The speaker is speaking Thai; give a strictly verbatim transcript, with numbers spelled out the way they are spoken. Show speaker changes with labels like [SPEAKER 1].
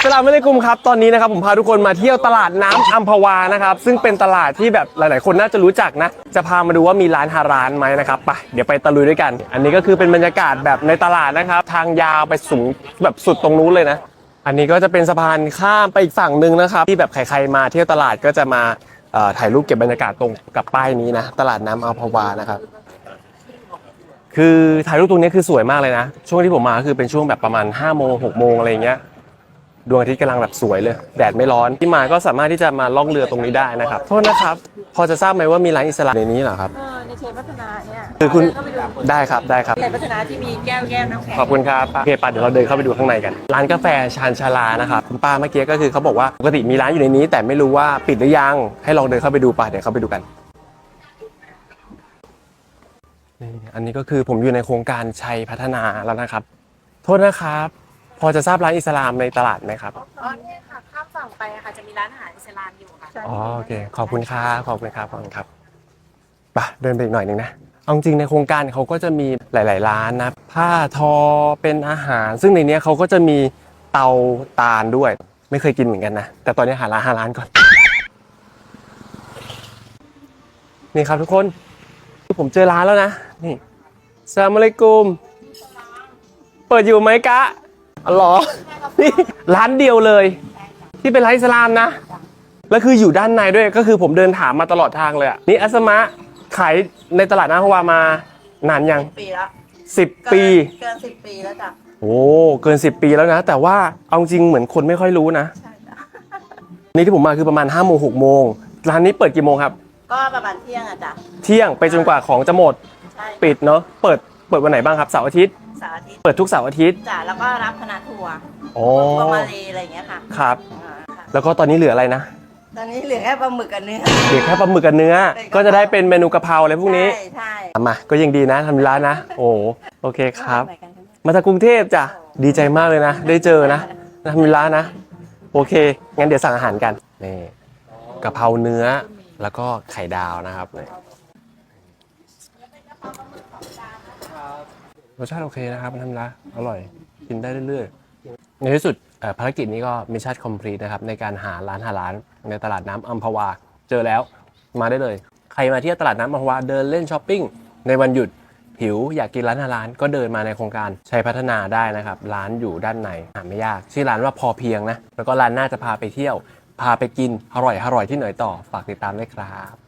[SPEAKER 1] สลามอะลัยกุมครับตอนนี้นะครับผมพาทุกคนมาเที่ยวตลาดน้ำอัมพวานะครับซึ่งเป็นตลาดที่แบบหลายๆคนน่าจะรู้จักนะจะพามาดูว่ามีร้านฮาลาลไหมนะครับไปเดี๋ยวไปตะลุยด้วยกันอันนี้ก็คือเป็นบรรยากาศแบบในตลาดนะครับทางยาวไปสูงแบบสุดตรงนู้นเลยนะอันนี้ก็จะเป็นสะพานข้ามไปอีกฝั่งหนึ่งนะครับที่แบบใครๆมาเที่ยวตลาดก็จะมาถ่ายรูปเก็บบรรยากาศตรงกับป้ายนี้นะตลาดน้ำอัมพวานะครับคือถ่ายรูปตรงนี้คือสวยมากเลยนะช่วงที่ผมมาคือเป็นช่วงแบบประมาณห้าโมงหกโมงอะไรเงี้ยดวงอาทิตย์กำลังแบบสวยเลยแดดไม่ร้อนที่มาก็สามารถที่จะมาล่องเรือตรงนี้ได้นะครับโทษนะครับพอจะทราบไหมว่ามีร้านอิสลามในนี้เหรอครับ
[SPEAKER 2] ในเชนพัฒนาเนี่ย
[SPEAKER 1] คือคุณได้ครับได้ครับ
[SPEAKER 2] ในพัฒนาที่มีแก้วแก้วน้ำแข็ง
[SPEAKER 1] ขอบคุณครับโอเคป้าเดี๋ยวเราเดินเข้าไปดูข้างในกันร้านกาแฟชานชาลานะครับคุณป้าเมื่อกี้ก็คือเขาบอกว่าปกติมีร้านอยู่ในนี้แต่ไม่รู้ว่าปิดหรือยังให้ลองเดินเข้าไปดูป่ะเดี๋ยวเข้าไปดูกันนี่อันนี้ก็คือผมอยู่ในโครงการชัยพัฒนาแล้วนะครับโทษนะครับพอจะทราบร้านอิสลามในตลาดไหมครับ
[SPEAKER 2] อ๋อเนี่ยค่ะข้ามฝั่งไปค่ะจะมีร้านอาหารอิสลามอยู่ค่ะ
[SPEAKER 1] อ๋อโอเคขอบคุณครับขอบคุณครับขอบคุณครับไปเดินไปอีกหน่อยนึงนะเอาจริงในโครงการเขาก็จะมีหลายๆร้านนะผ้าทอเป็นอาหารซึ่งในนี้เขาก็จะมีเตาตาลด้วยไม่เคยกินเหมือนกันนะแต่ตอนนี้หาร้านหาร้านก่อนนี่ครับทุกคนผมเจอร้านแล้วนะนี่อัสสลามุอะลัยกุมเปิดอยู่ไหมกะอ๋อเหรอนี่ร้านเดียวเลยที่เป็นร้านอิสลามนะแล้วคืออยู่ด้านในด้วยก็คือผมเดินถามมาตลอดทางเลยอ่ะนี่อัสมะขายในตลาดน้ำอัมพวามานานยัง
[SPEAKER 2] ปีแล้ว
[SPEAKER 1] สิบปี
[SPEAKER 2] เกินสิบปีแล้วจ้ะ
[SPEAKER 1] โอ้เกินสิบปีแล้วนะแต่ว่าเอาจริงเหมือนคนไม่ค่อยรู้นะ
[SPEAKER 2] ใช่จ้ะ
[SPEAKER 1] นี่ที่ผมมาคือประมาณห้าโมงหกโมงร้านนี้เปิดกี่โมงครับ
[SPEAKER 2] ก็ประมาณเที่ยงอะจ้ะ
[SPEAKER 1] เที่ยงไปจนกว่าของจะหมดปิดเนาะเปิดเปิดวันไหนบ้างครับเสาร์อาทิตย์
[SPEAKER 2] เสาร์อาทิตย์
[SPEAKER 1] เปิดทุกเสาร์อาทิตย์
[SPEAKER 2] จ้ะแล้วก็รับคณะทัวร์
[SPEAKER 1] โอ้
[SPEAKER 2] ทัวร์มาเลอะไรอย่างเงี้ยค่ะ
[SPEAKER 1] ครับแล้วก็ตอนนี้เหลืออะไรนะ
[SPEAKER 2] ตอนนี้เหลือแค่ปลาหมึกกับเนื้อ
[SPEAKER 1] เหลือแค่ปลาหมึกกับเนื้อก็จะได้เป็นเมนูกะเพราอะไรพวกนี้
[SPEAKER 2] ใช่ใช่
[SPEAKER 1] มาก็ยังดีนะทำร้านนะโอ้โอเคครับมาจากกรุงเทพจ้ะดีใจมากเลยนะได้เจอนะทำร้านนะโอเคงั้นเดี๋ยวสั่งอาหารกันนี่กะเพราเนื้อแล้วก็ไข่ดาวนะครับรสชาติโอเคนะครับทำร้านอร่อยกินได้เรื่อยๆในที่สุดภารกิจนี้ก็มิชชั่นคอมพลีทนะครับในการหาร้านหาร้านในตลาดน้ำอัมพวาเจอแล้วมาได้เลยใครมาเที่ยวตลาดน้ำอัมพวาเดินเล่นช้อปปิ้งในวันหยุดหิวอยากกินร้านหาร้านก็เดินมาในโครงการชัยพัฒนาได้นะครับร้านอยู่ด้านในหาไม่ยากชื่อร้านว่าพอเพียงนะแล้วก็ร้านน่าจะพาไปเที่ยวพาไปกินอร่อยอร่อยที่ไหนต่อฝากติดตามด้วยครับ